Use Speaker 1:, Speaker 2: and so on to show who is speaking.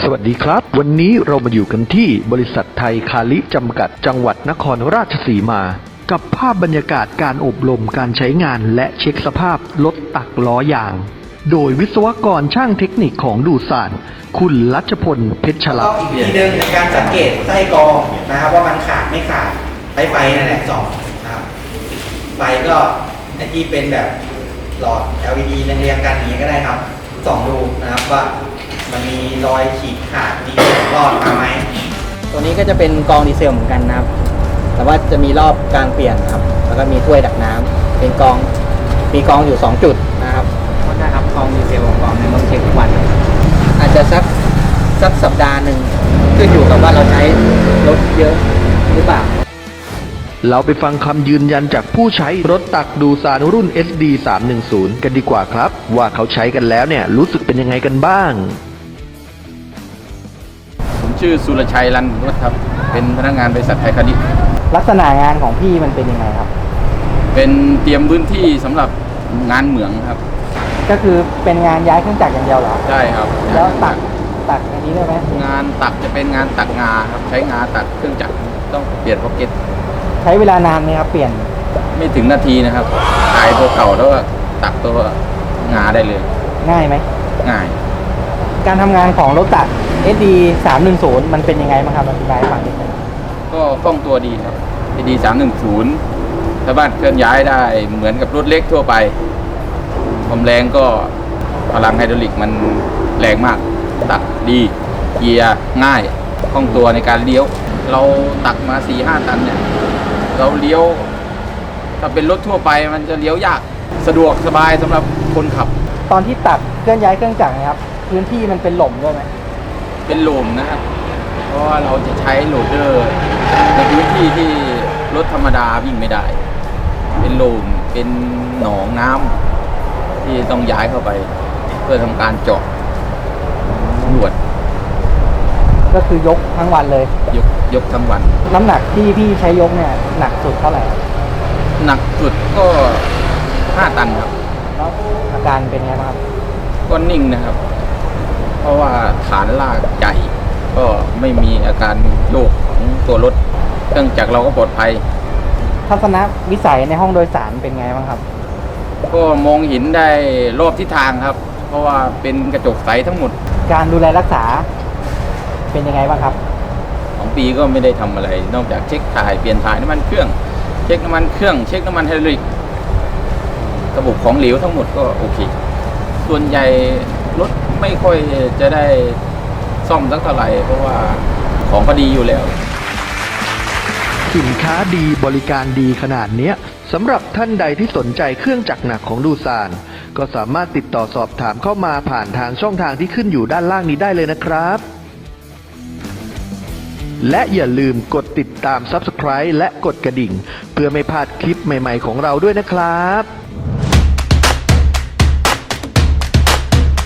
Speaker 1: สวัสดีครับวันนี้เรามาอยู่กันที่บริษัทไทยคาลิจำกัดจังหวัดนครราชสีมากับภาพบรรยากาศการอบรมการใช้งานและเช็คสภาพรถตักล้อยางโดยวิศวกรช่างเทคนิคของดูสานคุณรัชพลเพชรฉลาด
Speaker 2: อีกทีหนึ่งในการสังเกตไส้กรองนะครับว่ามันขาดไม่ขาดใช้ไฟนั่นแหละส่องนะครับไฟก็ไอที่เป็นแบบหลอด LED เรียงๆกันอย่างนี้ก็ได้ครับส่องดูนะครับว่ามันมีรอยฉีกขาดมีรอดมาไหมตัวนี้ก็จะเป็นกรองดีเซลเหมือนกันนะครับแต่ว่าจะมีรอบการเปลี่ยนครับแล้วก็มีถ้วยดักน้ำเป็นกรองมีกรองอยู่2จุดนะครับก็นะครับกรองดีเซลของกรองในต้องเช็คทุกวันอาจจะสักสัปดาห์หนึ่งขึ้นอยู่กับว่าเราใช้รถเยอะหรือเปล่า
Speaker 1: เราไปฟังคำยืนยันจากผู้ใช้รถตักดูสานรุ่น SD 310กันดีกว่าครับว่าเขาใช้กันแล้วเนี่ยรู้สึกเป็นยังไงกันบ้าง
Speaker 3: ผมชื่อสุรชัยรันวัฒน์ครับเป็นพนักงานบริษัทไทยคาลิ
Speaker 2: ลักษณะงานของพี่มันเป็นยังไงครับ
Speaker 3: เป็นเตรียมพื้นที่สำหรับงานเหมืองครับ
Speaker 2: ก็คือเป็นงานย้ายเครื่องจักรอย่างเดียวเหรอ
Speaker 3: ใช่ครับ
Speaker 2: แล้วตักอันนี้ได้ไหม
Speaker 3: งานตักจะเป็นงานตักงาครับใช้งาตักเครื่องจักรต้องเปลี่ยนพ็อกเก็ต
Speaker 2: ใช้เวลานานไหมครับเปลี่ยน
Speaker 3: ไม่ถึงนาทีนะครับขายตัวเก่าแล้วก็ตักตัวงาได้เลย
Speaker 2: ง่ายไหม
Speaker 3: ง่าย
Speaker 2: การทำงานของรถตัก SD 310มันเป็นยังไงบ้างครับอธิบายให้ฟังนิดนึง
Speaker 3: ก็คล่องตัวดีครับ SD 310สามารถเคลื่อนย้ายได้เหมือนกับรถเล็กทั่วไปความแรงก็พลังไฮดรอลิกมันแรงมากตักดีเกียร์ง่ายคล่องตัวในการเลี้ยวเราตักมา 4-5 ตันเนี่ยเราเลี้ยวถ้าเป็นรถทั่วไปมันจะเลี้ยวยากสะดวกสบายสำหรับคนขับ
Speaker 2: ตอนที่ตักเคลื่อนย้ายเครื่องจักรนะครับพื้นที่มันเป็นหล่มด้วยไหม
Speaker 3: เป็นหล่มนะครับเพราะว่าเราจะใช้โหลดเดอร์ในพื้นที่ที่รถธรรมดาวิ่งไม่ได้เป็นหล่มเป็นหนองน้ำที่ต้องย้ายเข้าไปเพื่อทำการเจาะสำรวจ
Speaker 2: ก็คือยกทั้งวันเลย
Speaker 3: ยกทั้งวัน
Speaker 2: น้ำหนักที่พี่ใช้ยกเนี่ยหนักสุดเท่าไหร่
Speaker 3: หนักสุดก็5 ตันครับ
Speaker 2: แล้วอาการเป็นไงบ้างครับ
Speaker 3: ก็นิ่งนะครับเพราะว่าฐานลากใหญ่ก็ไม่มีอาการโยกของตัวรถเครื่องจักรเราก็ปลอดภัย
Speaker 2: ทัศนวิสัยในห้องโดยสารเป็นไงบ้างครับ
Speaker 3: ก็มองเห็นได้รอบทิศทางครับเพราะว่าเป็นกระจกใสทั้งหมด
Speaker 2: การดูแลรักษาเป็นยังไงบ้างครับ
Speaker 3: 2 ปีก็ไม่ได้ทำอะไรนอกจากเช็คถ่ายเปลี่ยนถ่ายน้ำมันเครื่องเช็คน้ำมันเครื่องเช็คน้ำมันไฮดรอลิกระบบของเหลวทั้งหมดก็โอเคส่วนใหญ่รถไม่ค่อยจะได้ซ่อมสักเท่าไหร่เพราะว่าของก็ดีอยู่แล้ว
Speaker 1: สินค้าดีบริการดีขนาดนี้สำหรับท่านใดที่สนใจเครื่องจักรหนักของดูซานก็สามารถติดต่อสอบถามเข้ามาผ่านทางช่องทางที่ขึ้นอยู่ด้านล่างนี้ได้เลยนะครับและอย่าลืมกดติดตาม Subscribe และกดกระดิ่งเพื่อไม่พลาดคลิปใหม่ๆของเราด้วยนะครับ